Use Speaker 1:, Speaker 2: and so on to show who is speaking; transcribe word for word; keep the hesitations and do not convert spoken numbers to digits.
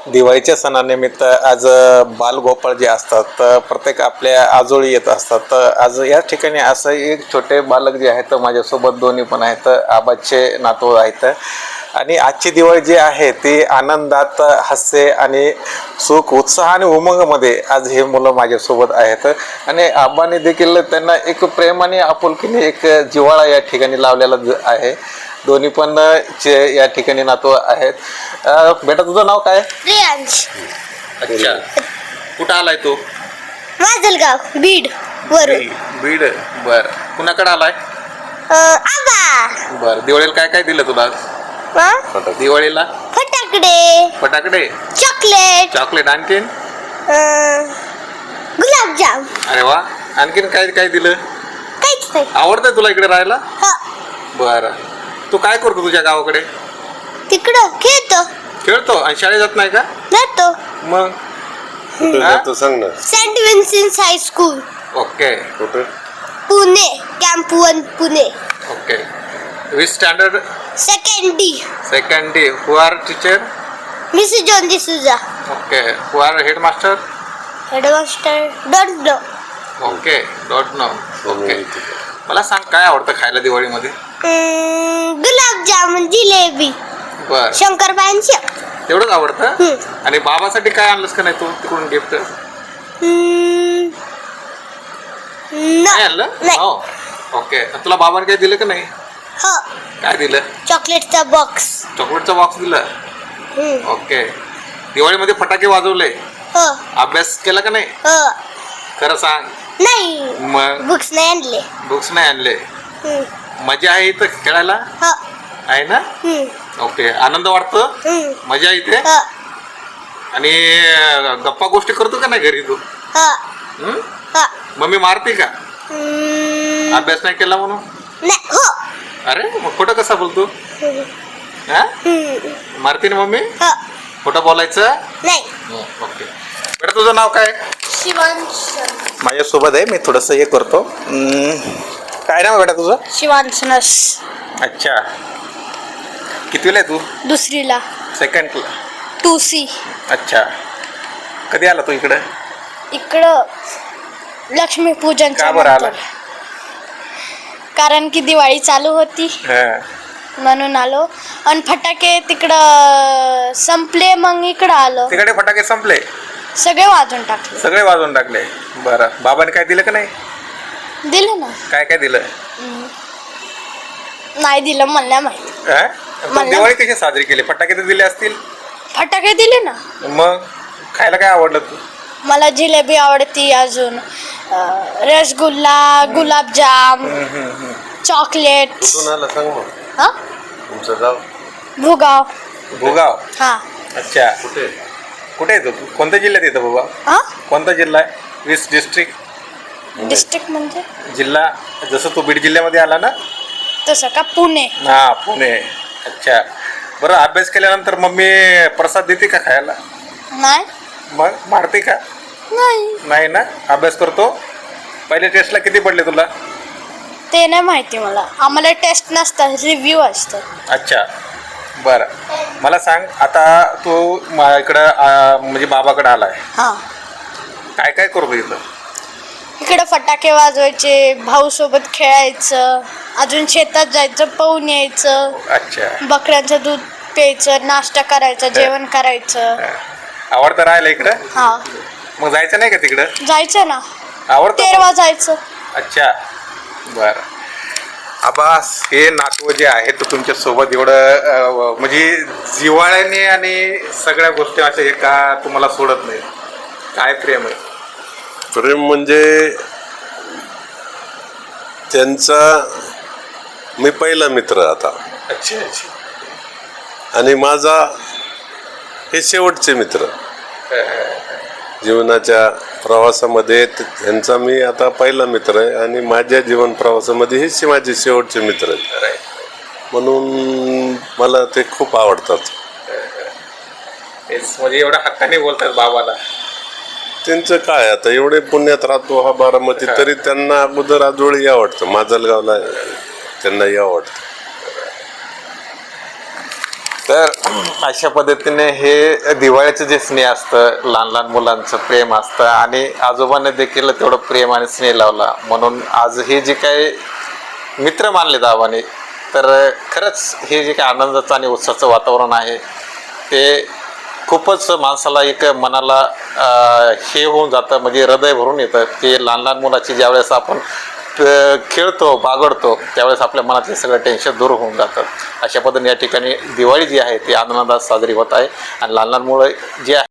Speaker 1: दिवाळीच्या सणानिमित्त आज बालगोपाळ जे असतात तर प्रत्येक आपल्या आजोळी येत असतात. तर आज या ठिकाणी असं एक छोटे बालक जे आहेत माझ्यासोबत दोन्ही पण आहेत, आबाचे नातू आहेत. आणि आजची दिवाळी जी आहे ती आनंदात, हास्य आणि सुख, उत्साह आणि उमंगमध्ये आज हे मुलं माझ्यासोबत आहेत. आणि आबाने देखील त्यांना एक प्रेम आणि आपुलकीने एक जिव्हाळा या ठिकाणी लावलेला आहे. दोन्ही पण चे या ठिकाणी नातू आहेत. बेटा तुझं नाव काय?
Speaker 2: रियांश.
Speaker 1: अच्छा, कुठं आलाय तू?
Speaker 2: माजलगाव, बीड वरून.
Speaker 1: बीड. बर, कुणाकडे आलाय?
Speaker 2: आबा.
Speaker 1: बर, दिवाळीला काय काय दिलं तुला? दिवाळीला
Speaker 2: फटाकडे,
Speaker 1: फटाकडे,
Speaker 2: चॉकलेट,
Speaker 1: चॉकलेट, आणखीन
Speaker 2: गुलाबजाम.
Speaker 1: अरे वा, आणखीन काय काय दिलं?
Speaker 2: काहीच नाही.
Speaker 1: आवडतंय तुला इकडे राहायला?
Speaker 2: हा.
Speaker 1: बर, तू काय करतो तुझ्या गावाकडे?
Speaker 2: तिकडं खेळतो.
Speaker 1: खेळतो आणि शाळेत जात नाही का?
Speaker 2: जातो.
Speaker 1: मग
Speaker 3: तू सांग ना.
Speaker 2: Saint Vincent high school,
Speaker 1: okay.
Speaker 3: कुठे?
Speaker 2: Pune, camp one, Pune.
Speaker 1: Okay. Which standard?
Speaker 2: Second D.
Speaker 1: Second day. Who are teacher?
Speaker 2: Mrs John D'Souza.
Speaker 1: Okay. Who are headmaster?
Speaker 2: Headmaster don't know.
Speaker 1: Okay, don't know. Okay. मला सांग काय आवडतं खायला दिवाळीमध्ये?
Speaker 2: गुलाबजामुन, जिलेबी,
Speaker 1: बर,
Speaker 2: शंकरपाळ्यांची.
Speaker 1: तेवढंच आवडतं?
Speaker 2: हम्म.
Speaker 1: आणि बाबासाठी काय आणलंस का नाही तू तिकडून गिफ्ट? नाही आणलं?
Speaker 2: नाही.
Speaker 1: हो. ओके. तुला बाबाने काय दिलं का नाही?
Speaker 2: हो.
Speaker 1: काय दिलं?
Speaker 2: चॉकलेटचा बॉक्स.
Speaker 1: चॉकलेटचा बॉक्स दिला. ओके. दिवाळीमध्ये फटाके वाजवले?
Speaker 2: हो.
Speaker 1: अभ्यास केला का नाही?
Speaker 2: हो.
Speaker 1: खरं सांग.
Speaker 2: नाही.
Speaker 1: मग
Speaker 2: बुक्स नाही आणले.
Speaker 1: बुक्स नाही आणले?
Speaker 2: हम्म.
Speaker 1: मजा आहे इथं खेळायला?
Speaker 2: हो.
Speaker 1: आहे ना?
Speaker 2: हम्म.
Speaker 1: ओके. आनंद वाटतो?
Speaker 2: हम्म.
Speaker 1: मजा येते?
Speaker 2: हो.
Speaker 1: आणि गप्पा गोष्टी करतो का नाही घरी तू?
Speaker 2: हो.
Speaker 1: हम्म?
Speaker 2: हो.
Speaker 1: मम्मी मारते का
Speaker 2: हम्म.
Speaker 1: अभ्यास नाही केला म्हणून?
Speaker 2: नाही. हो.
Speaker 1: अरे मग खोटं कसा बोलतो? हा?
Speaker 2: हम्म.
Speaker 1: मारते ना मम्मी?
Speaker 2: हो.
Speaker 1: खोटं बोलायचं
Speaker 2: नाही.
Speaker 1: ओके. बेटा तुझं नाव काय?
Speaker 2: शिवांश.
Speaker 1: माझ्यासोबत आहे, मी थोडंसं हे करतो. हम्म. काय नाव आहे बेटा तुझं?
Speaker 2: शिवांश नस.
Speaker 1: अच्छा, कितवीला आहे तू?
Speaker 2: दुसरीला.
Speaker 1: सेकंडला.
Speaker 2: Two C.
Speaker 1: अच्छा, कधी आला तू इकडं?
Speaker 2: इकडं लक्ष्मीपूजनच्या
Speaker 1: का बरं आला?
Speaker 2: नंतर. कारण की दिवाळी चालू होती म्हणून आलो. आणि फटाके तिकडं संपले, मग इकडं आलो.
Speaker 1: तिकडे फटाके संपले?
Speaker 2: सगळे वाजून टाकले.
Speaker 1: सगळे वाजवून टाकले. बरं, बाबाने काय दिलं का नाही?
Speaker 2: दिलं ना.
Speaker 1: काय काय दिलं?
Speaker 2: नाही दिलं, मला नाही माहिती.
Speaker 1: हा? पण
Speaker 2: मला-
Speaker 1: दिवाळी कशी साजरी केली? फटाके तर दिले असतील?
Speaker 2: फटाके दिले ना.
Speaker 1: मग खायला काय आवडलं तू?
Speaker 2: मला जिलेबी आवडती, अजून अं, रसगुल्ला, गुलाबजाम, चॉकलेट.
Speaker 3: कुठून आला सांग मग.
Speaker 2: हा.
Speaker 3: तुमचं गाव
Speaker 2: भुगाव.
Speaker 1: भुगाव.
Speaker 2: हा.
Speaker 1: अच्छा,
Speaker 3: कुठे?
Speaker 1: कुठे येतो तू? कोणत्या जिल्ह्यात येतं भुगाव?
Speaker 2: हा.
Speaker 1: कोणता जिल्हा आहे? वीस डिस्ट्रिक्ट.
Speaker 2: डिस्ट्रिक्ट म्हणजे
Speaker 1: जिल्हा जसं तू बीड जिल्ह्यामध्ये आला ना?
Speaker 2: तसं का? पुणे.
Speaker 1: हा, पुणे. अच्छा, बरं. अभ्यास केल्यानंतर मम्मी प्रसाद देते का खायला?
Speaker 2: नाही.
Speaker 1: मग मारते का?
Speaker 2: नाही.
Speaker 1: नाही ना? अभ्यास करतो. पहिले टेस्टला किती पडले तुला?
Speaker 2: ते नाही माहिती मला. आम्हाला टेस्ट नसतात, रिव्ह्यू असतात.
Speaker 1: अच्छा, बरं. मला सांग, आता तू मा इकडं आ, म्हणजे बाबाकडं आला आहे,
Speaker 2: हा.
Speaker 1: काय काय करतो इथं?
Speaker 2: इकडं फटाके वाजवायचे, भाऊ सोबत खेळायचं, अजून शेतात जायचं, पाहून यायचं,
Speaker 1: अच्छा,
Speaker 2: बकऱ्यांचं दूध प्यायचं, नाश्ता करायचा, जेवण करायचं.
Speaker 1: आवडतं राहायला इकडं?
Speaker 2: हा.
Speaker 1: मग जायचं नाही का तिकडं?
Speaker 2: जायचं ना.
Speaker 1: आवडतं?
Speaker 2: तेरवा जायचं.
Speaker 1: अच्छा, बरं. आबास, हे नातू जे आहे तर तुमच्या सोबत एवढं अं, म्हणजे जिव्हाळ्याने आणि सगळ्या गोष्टी अशा एका तुम्हाला सोडत नाही. काय प्रेम आहे?
Speaker 3: प्रेम म्हणजे त्यांचा मी पहिला मित्र आता,
Speaker 1: अच्छा अच्छा.
Speaker 3: आणि माझा हे शेवटचे मित्र जीवनाच्या प्रवासामध्ये. त्यांचा मी आता पहिला मित्र आहे आणि माझ्या जीवन प्रवासामध्ये हे माझे शेवटचे मित्र आहेत. म्हणून मला ते खूप आवडतात.
Speaker 1: तेच म्हणजे एवढ्या हक्काने बोलतात बाबाला.
Speaker 3: त्यांचं काय आता, एवढे पुण्यात राहतो हा बारामती, तरी त्यांना अगोदर आजोळी आवडतं, माजलगावला त्यांनाही आवडतं.
Speaker 1: तर अशा पद्धतीने हे दिवाळीचं जे स्नेह असतं, लहान लहान मुलांचं प्रेम असतं आणि आजोबांनी देखील तेवढं प्रेम आणि स्नेह लावला, म्हणून आज हे जे काही मित्र मानले आबाने, तर खरंच हे जे काही आनंदाचं आणि उत्साहाचं वातावरण आहे ते खूपच माणसाला एक मनाला हे होऊन जातं, म्हणजे हृदय भरून येतं. ते लहान लहान मुलाची ज्यावेळेस आपण खेळतो बागडतो त्यावेळेस आपल्या मनातले सगळं टेन्शन दूर होऊन जातं. अशा पद्धतीने या ठिकाणी दिवाळी जी आहे ती आनंदात साजरी होत आहे आणि लहान लहान मुलं जी आहे